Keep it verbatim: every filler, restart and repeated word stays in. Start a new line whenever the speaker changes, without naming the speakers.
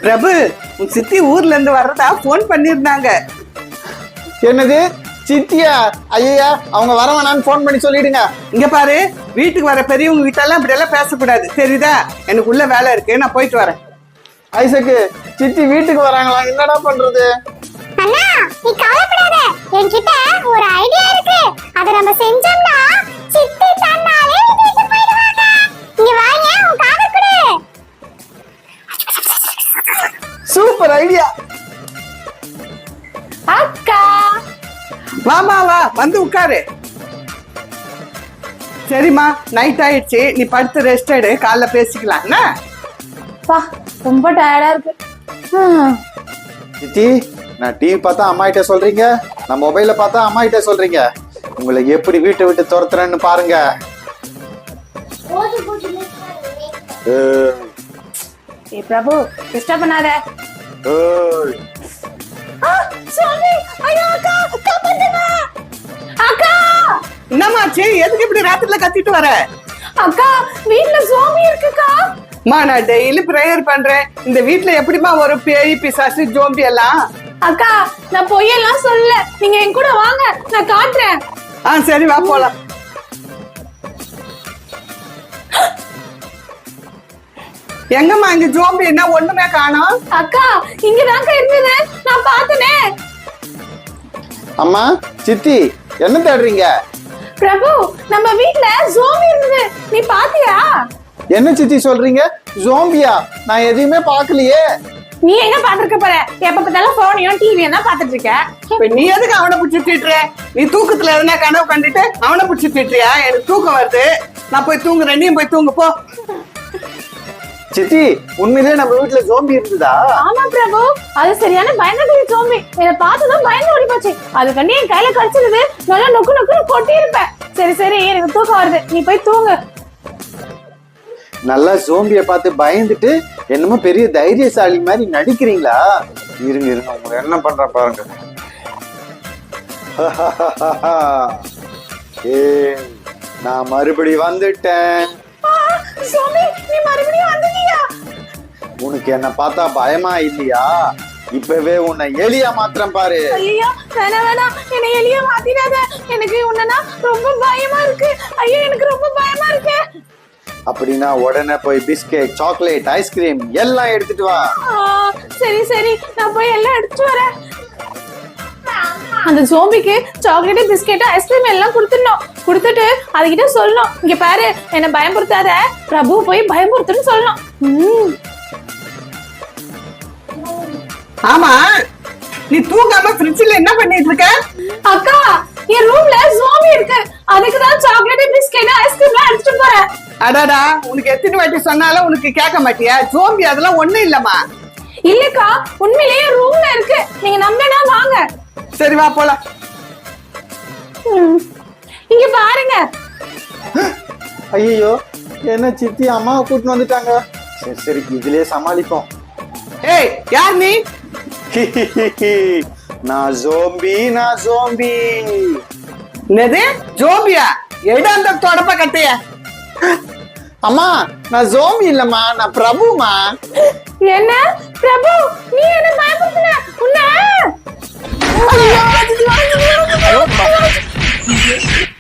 பிரபு உன் சித்தி ஊர்ல இருந்து வர்றதா போன் பண்ணிருந்தாங்க.
என்னது சித்தியா? ஐயா அவங்க வர வேணான்னு போன் பண்ணி சொல்லிடுங்க.
இங்க பாரு, வீட்டுக்கு வர பெரியவங்க வீட்டெல்லாம் இப்படி எல்லாம் பேசக்கூடாது, தெரியுதா? எனக்கு உள்ள வேலை இருக்கு, நான் போயிட்டு வரேன்.
ஐசக்கு, சித்தி வீட்டுக்கு வராங்களா? என்னடா பண்றது?
அண்ணா நீ கவலைப்படாத, என்கிட்ட ஒரு ஐடியா இருக்கு. அத நம்ம செஞ்சோம்னா சித்தி தன்னாலே வீட்டுக்கு போயிடுவாங்க. இங்க வாங்க, உன் காதை கொடு.
Super idea.
அக்கா
வாமா வா, வந்து உட்காரு. சரிம்மா, நைட் ஆயிடுச்சு, நீ படுத்து ரெஸ்ட் எடு, காலைல பேசிக்கலாம். என்ன
பா, ரொம்ப டயர்டா இருக்கு.
சித்தி, நான் டிவி பார்த்தா அம்மா கிட்ட சொல்றீங்க, நான் மொபைல பார்த்தா அம்மா கிட்ட சொல்றீங்க. உங்களை எப்படி வீட்டை விட்டு துரத்துறேன்னு பாருங்க.
ஏ பிரபு, டிஸ்டர்ப் பண்ணாத.
ஏய்,
சாமி, ஐயோ அக்கா, காப்பாத்துங்க. அக்கா,
என்னமாச்சு? எதுக்கு இப்படி ராத்திரில கத்திட்டு வர?
அக்கா வீட்ல சாமி இருக்குக்கா.
மா, நான் டெய்லி பிரேயர் பண்றேன். இந்த வீட்ல எப்படிமா ஒரு பேய் பிசாசு ஜோம்பி எல்லாம்?
அக்கா நான் பொய்யெல்லாம் சொல்லல, நீங்க என் கூட வாங்க, நான் காட்டுறேன்.
ஆ சரி, வா போலாம். எங்கம்மா இங்க ஜோம்பி என்ன ஒண்ணுமே காணோம்?
அக்கா இங்கதாங்க இருந்தது, நான் பார்த்தனே.
அம்மா, சித்தி என்ன தேடுறீங்க?
பிரபு, நம்ம வீட்ல ஜோம்பி இருந்தது, நீ பாத்தியா?
என்ன சித்தி சொல்றீங்க? ஜோம்பியா? நான் எதையுமே பார்க்கலையே.
நீ எங்க பாத்துருக்க போற? எப்ப பார்த்தாலும் போனையும் டிவியும் தான் பாத்துட்டு இருக்க.
இப்ப நீ எதுக்கு அவனை பிடிச்சி திட்டுற? நீ தூக்கத்துல எதுனா கனவு கண்டுட்டு அவனை பிடிச்சி திட்டுறியா? எனக்கு தூக்கம் வருது, நான் போய் தூங்குறேன், நீ போய் தூங்கு போ.
சித்தி, உண்மையிலேயே நம்ம வீட்டுல ஜோம்பி இருந்ததா?
ஆமா பிரபு, அது சரியான பயங்கர ஜோம்பி. என்ன பார்த்ததும் பயந்து ஓடி போச்சு. அது கண்டி என் கையில கடிச்சிருது, நல்லா நொக்கு நொக்குன்னு கொட்டி இருப்பேன். சரி சரி, எனக்கு தூக்கம் வருது, நீ போய் தூங்கு.
நல்லா ஜோம்பிய பார்த்து பயந்துட்டு என்னமோ பெரிய தைரியசாலி மாதிரி நடிக்கிறீங்களா? இருங்க இருங்க, உங்களை என்ன பண்ற பாருங்க. ஏ, நான் மறுபடி வந்துட்டேன்.
ஜோம்பி, நீ மறுபடியும் வந்துட்டியா?
உனக்கு என்ன பார்த்தா பயமா இல்லையா? இப்பவே உன்னை எலியா மாத்திரம் பாரு.
ஐயோ வேணாம் வேணாம், என்னை எலியா மாத்திடாத. எனக்கு உன்னனா ரொம்ப பயமா இருக்கு. ஐயோ எனக்கு ரொம்ப பயமா இருக்கு.
அப்படின்னா உடனே போய் பிஸ்கெட், சாக்லேட், ஐஸ்கிரீம் எல்லாம் எடுத்துட்டு வா.
சரி சரி, நான் போய் எல்லாம் எடுத்துட்டு வரேன். அந்த ஜோம்பிக்கு சாக்லேட், பிஸ்கெட், ஐஸ்கிரீம் எல்லாம் கொடுத்துடணும். கொடுத்துட்டு அதுகிட்ட சொல்லணும், இங்க பாரு என்ன பயமுறுத்தாத, பிரபு போய் பயமுறுத்துன்னு சொல்லணும்.
ஆமா, நீ தூங்காம ஃப்ரிட்ஜ்ல என்ன பண்ணிட்டு இருக்க?
அக்கா, என் ரூம்ல ஜோம்பி இருக்கு, அதுக்கு தான் சாக்லேட், பிஸ்கெட், ஐஸ்கிரீம் எல்லாம் எடுத்துட்டு போறேன்.
அடாடா, உனக்கு எத்தனை வாட்டி சொன்னாலும் உனக்கு கேட்க மாட்டியா? ஜோம்பி அதெல்லாம் ஒண்ணும் இல்லம்மா.
இல்லக்கா, உண்மையிலேயே ரூம்ல இருக்கு, நீங்க நம்பினா வாங்க.
சரி வா போலாம்.
இங்க பாருங்க.
ஐயோ, என்ன சித்தி அம்மாவை கூட்டிட்டு வந்துட்டாங்க. சரி சரி, இதுலயே சமாளிப்போம்.
ஏய், யார் நீ?
நான் ஜோம்பி, நான் ஜோம்பி.
என்னது ஜோம்பியா? எடு அந்த தொடப்ப கட்டைய.
அம்மா, நான் ஜோம்பி இல்லம்மா, நான் பிரபுமா.
என்ன பிரபு, நீ என்ன பயப்படுத்தின? உன்ன